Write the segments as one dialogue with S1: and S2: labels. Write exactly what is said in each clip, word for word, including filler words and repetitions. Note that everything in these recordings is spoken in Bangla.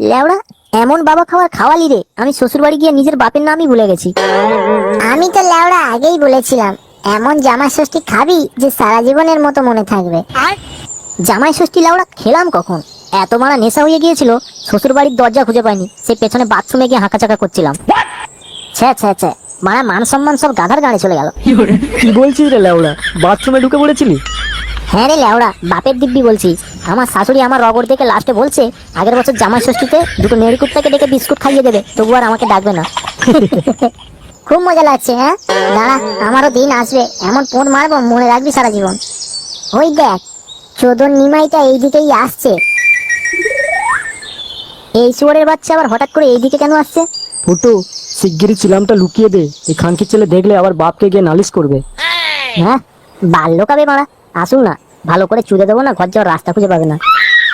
S1: লেওড়া, এমন বাবা খাওয়ার খাওয়ালি রে, আমি শ্বশুর বাড়ি গিয়ে নিজের বাপের নামই ভুলে গেছি।
S2: আমি তো লেওড়া আগেই বলেছিলাম এমন জামাই ষষ্ঠী খাবি যে সারা জীবনের মতো মনে থাকবে।
S1: জামাই ষষ্ঠী লেওড়া খেলাম কখন? এত মারা নেশা হয়ে গিয়েছিল, শ্বশুর বাড়ির দরজা খুঁজে পাইনি, সে পেছনে বাথরুমে গিয়ে হাঁকাচাকা করছিলাম। ছ্যা ছ্যা ছ্যা, মারা মান সম্মান সব গাধার গাড়ি চলে গেল।
S3: কি বলছিস রে লেওড়া, বাথরুমে ঢুকে পড়েছিলি?
S1: হ্যাঁ রে লেওড়া, বাপের দিব্যি বলছি। আমার শাশুড়ি আমার রগর দেখে লাস্টে বলছে আগের বছর জামাই ষষ্ঠীতে দুটো নেড়িকুত্তাকে ডেকে বিস্কুট খাইয়ে দেবে, তবু আর আমাকে ডাকবে না।
S2: খুব মজা লাগছে। হ্যাঁ দাঁড়া, আমারও দিন আসবে, এমন পোঁত মারবো মনে রাখবি সারা জীবন। ওই দেখ, চোদন নিমাইটা এইদিকেই আসছে।
S1: এই শুয়োরের বাচ্চা আবার হঠাৎ করে এইদিকে কেন আসছে?
S3: ফুটু, শিগগিরই চিলামটা লুকিয়ে দে, এই খানকির ছেলে দেখলে আবার বাপকে গিয়ে নালিশ করবে।
S1: হ্যাঁ, বাল্য কাবে মারা, আসুন না, ভালো করে চুদে দেবো না, ঘর যাওয়ার রাস্তা খুঁজে পাবে না।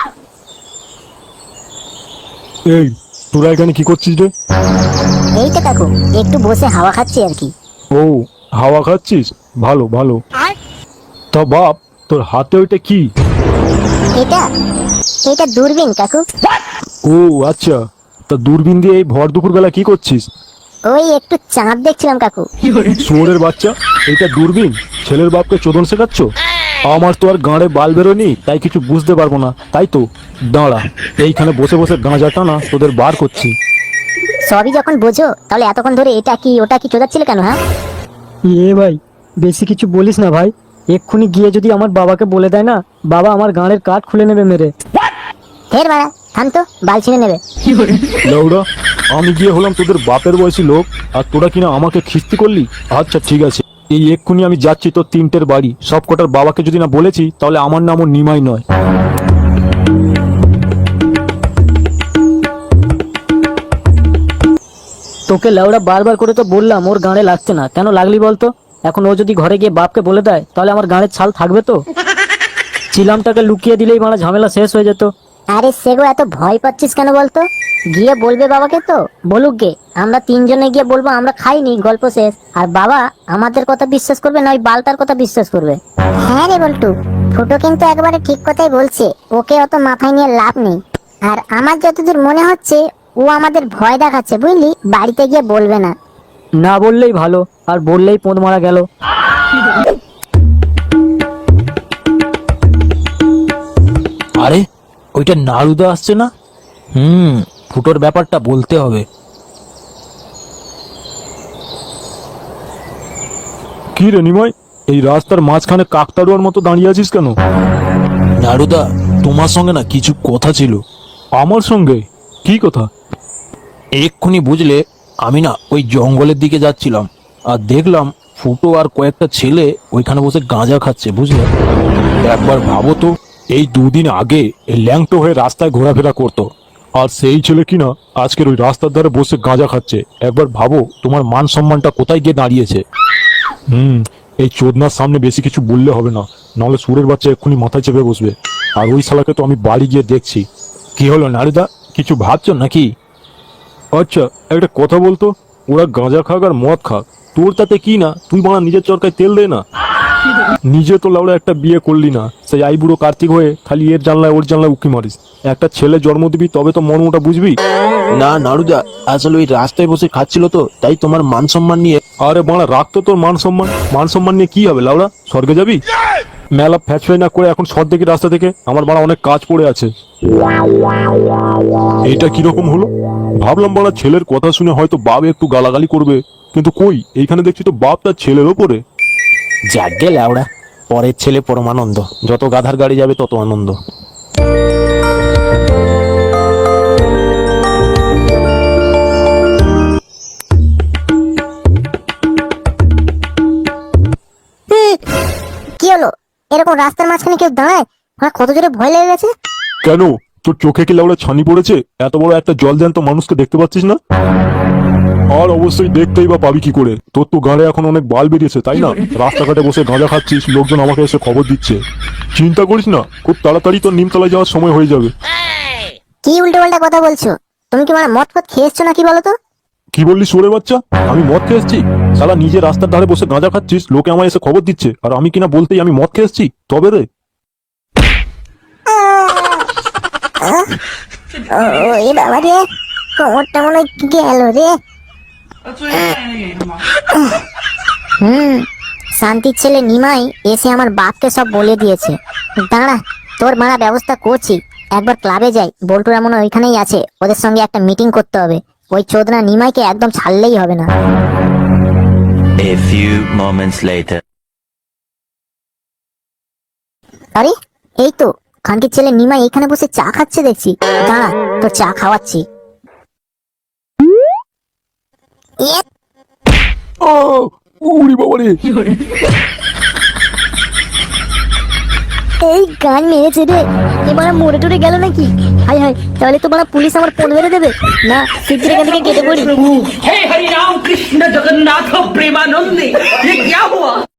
S4: এই তোরা এখানে কি করছিস রে?
S1: এই তো কাকু, একটু বসে হাওয়া খাচ্ছি আর কি।
S4: ও, হাওয়া খাচ্ছিস? ভালো ভালো। তা বাপ, তোর হাতে ওইটা কি?
S1: এটা এটা দূরবীন কাকু।
S4: ও আচ্ছা, তা দূরবীন দিয়ে এই ভর দুপুর বেলা কি করছিস?
S1: ওই একটু চাঁদ দেখছিলাম কাকু।
S4: শুয়োরের বাচ্চা, এইটা দূরবীন? ছেলের বাপকে চোদন শেখাচ্ছ? আমার তো আর গাঁড়ে বাল বেরোনি, তাই কিছু বুঝতে পারবো না, তাই তো দাঁড়া, এইখানে বসে বসে গাঁজাটা না তোদের বার করছি।
S1: সবই যখন বোঝো, তাহলে এতক্ষণ ধরে এটা কি ওটা কি চোদাচ্ছিলে কেন? হ্যাঁ
S3: এ ভাই, বেশি কিছু বলিস না ভাই, এক্ষুনি গিয়ে যদি আমার বাবাকে বলে দেয় না, বাবা আমার গাঁড়ের কাঠ খুলে নেবে মেরে।
S1: ফের মারা, থাম তো, বাল ছিঁড়ে নেবে।
S4: লৌড়া, আমি গিয়ে হলাম তোদের বাপের বয়সী লোক, আর তোরা কিনা আমাকে খিস্তি করলি? আচ্ছা ঠিক আছে, এই এক্ষুনি আমি যাচ্ছি তোর তিনটের বাড়ি, সব কটার বাবাকে যদি না বলেছি তাহলে আমার নামও নিমাই নয়।
S3: তোকে লেওড়া বারবার করে তো বললাম ওর গাঁড়ে লাগছে না, কেন লাগলি বলতো? এখন ও যদি ঘরে গিয়ে বাপকে বলে দেয়, তাহলে আমার গাঁড়ের ছাল থাকবে তো? চিলামটাকে লুকিয়ে দিলেই মানে ঝামেলা শেষ হয়ে যেত।
S1: আরে সেগো, এত ভয় পাচ্ছিস কেন বলতো? গিয়ে বলবে বাবাকে তো, বলুক গে, আমরা তিনজনে গিয়ে বলবো আমরা খাইনি, গল্প শেষ। আর বাবা আমাদের কথা বিশ্বাস করবে না ওই বালটার কথা বিশ্বাস করবে।
S2: হ্যাঁ রে বল্টু, ফুটো কিন্তু একবারে ঠিক কথাই বলছে, ওকে অত মাথায় নিয়ে লাভ নেই। আর আমার যতদূর মনে হচ্ছে ও আমাদের ভয় দেখাচ্ছে, বুঝলি, বাড়িতে গিয়ে বলবে না।
S3: না বললেই ভালো, আর বললেই পোঁদ মারা গেল।
S5: আরে ওইটা নারুদা আসছে না? হুম, ফুটোর ব্যাপারটা বলতে হবে।
S4: কি রে নিমাই, এই রাস্তার মাঝখানে কাকতাড়ুয়ার মতো দাঁড়িয়ে আছিস কেন?
S5: নারুদা, তোমার সঙ্গে না কিছু কথা ছিল।
S4: আমার সঙ্গে? কি কথা?
S5: এক্ষুনি বুঝলে, আমি না ওই জঙ্গলের দিকে যাচ্ছিলাম, আর দেখলাম ফুটো আর কয়েকটা ছেলে ওইখানে বসে গাঁজা খাচ্ছে, বুঝলে?
S4: একবার ভাবো তো, এই দুদিন আগে এই ল্যাংটো হয়ে রাস্তায় ঘোরাফেরা করতো, আর সেই ছেলে কিনা আজকের ওই রাস্তার ধারে বসে গাঁজা খাচ্ছে। একবার ভাবো তোমার মান সম্মানটা কোথায় গিয়ে দাঁড়িয়েছে। হুম, এই চোদনার সামনে বেশি কিছু বললে হবে না, নাহলে সুরের বাচ্চা এক্ষুনি মাথায় চেপে বসবে। আর ওই শালাকে তো আমি বাড়ি গিয়ে দেখছি।
S5: কি হলো নারুদা, কিছু ভাবছো নাকি?
S4: আচ্ছা একটা কথা বলতো, ওরা গাঁজা খাক আর মদ খাক, তোর তাতে কি না? তুই বাড়া নিজের চরকায় তেল দে না। নিজে তো লাউড়া একটা বিয়ে করলি না, সেই আইবুড়ো কার্তিক হয়ে খালি এর জানলায় ওর জানলায় উকি মারিস। একটা ছেলে জন্ম দিবি তবে তো মর্মটা বুঝবি।
S5: না নারুদা, আসলে ওই রাস্তায় বসে খাচ্ছিল তো, তাই তোমার মান সম্মান নিয়ে।
S4: আরে বাড়া, রাখতো তোর মান সম্মান। মান সম্মান নিয়ে কি হবে লাউড়া, স্বর্গে যাবি? মেলা ফ্যাচফাই না করে এখন সর দেখি রাস্তা থেকে, আমার বাড়া অনেক কাজ পড়ে আছে। এটা কিরকম হলো? ভাবলাম বাড়া ছেলের কথা শুনে হয়তো বাপ একটু গালাগালি করবে, কিন্তু কই, এইখানে দেখছি তো বাপ তার ছেলের ওপরে।
S5: যাকে ল্যাওড়া, পরের ছেলে পরমানন্দ, যত গাধার গাড়ি যাবে তত আনন্দ।
S2: কি হলো, এরকম রাস্তার মাঝখানে কেউ দাঁড়ায়? আমার কত জোরে ভয় লেগে গেছে।
S4: কেন, তোর চোখে কি লাউড়া ছানি পড়েছে? এত বড় একটা জল জ্যান্ত মানুষকে দেখতে পাচ্ছিস না? আর অবশ্যই দেখতেই বা পাবি কি করে, তোর তো গাড়ে এখন অনেক বাল বেরিয়েছে, তাই না? রাস্তাঘাটে বসে গাঁজা খাচ্ছিস, লোকজন আমাকে এসে খবর দিচ্ছে। চিন্তা করিস না, খুব তাড়াতাড়ি তোর নিমতলায় যাওয়ার সময় হয়ে যাবে।
S2: কি উল্টো পাল্টা কথা বলছো? তুমি কি মানে মদ ফদ খেয়ে এসছো নাকি বলো তো?
S4: কি বললি সুরে বাচ্চা? আমি মদ খেয়ে এসছি? শালা নিজে রাস্তার ধারে বসে গাঁজা খাচ্ছিস, লোকে আমায় এসে খবর দিচ্ছে, আর আমি কিনা বলতেই আমি মদ খেয়ে এসছি? তবে রে
S2: ও এ বাবা রে, কোমরটা মনে হয় গেল রে।
S1: হুম, শান্তির ছেলে নিমাই এসে আমার বাপকে সব বলে দিয়েছে। দাঁড়া, তোর মারা ব্যবস্থা করছি। একবার ক্লাবে যাই, বল্টুরা মনে হয় ওইখানেই আছে, ওদের সঙ্গে একটা মিটিং করতে হবে। ওই চোদনা নিমাইকে একদম ছাড়লেই হবে না।
S6: A few moments later.
S1: আরে এই তো খানকির ছেলে নিমাই এখানে বসে চা খাচ্ছে দেখছি। দাঁড়া, তোর চা খাওয়াচ্ছি।
S2: এ,
S4: ও উড়ি বাবা রে!
S1: এই গান মেরেছে রে, এবার মরে টরে গেল নাকি? হাই হাই, তাহলে তো বড় পুলিশ আমার ফোন মেরে দেবে। না, শিগগির এখান থেকে কেটে পড়ি।
S7: हे हरि राम कृष्ण जगन्नाथ प्रेमानंद ये क्या हुआ?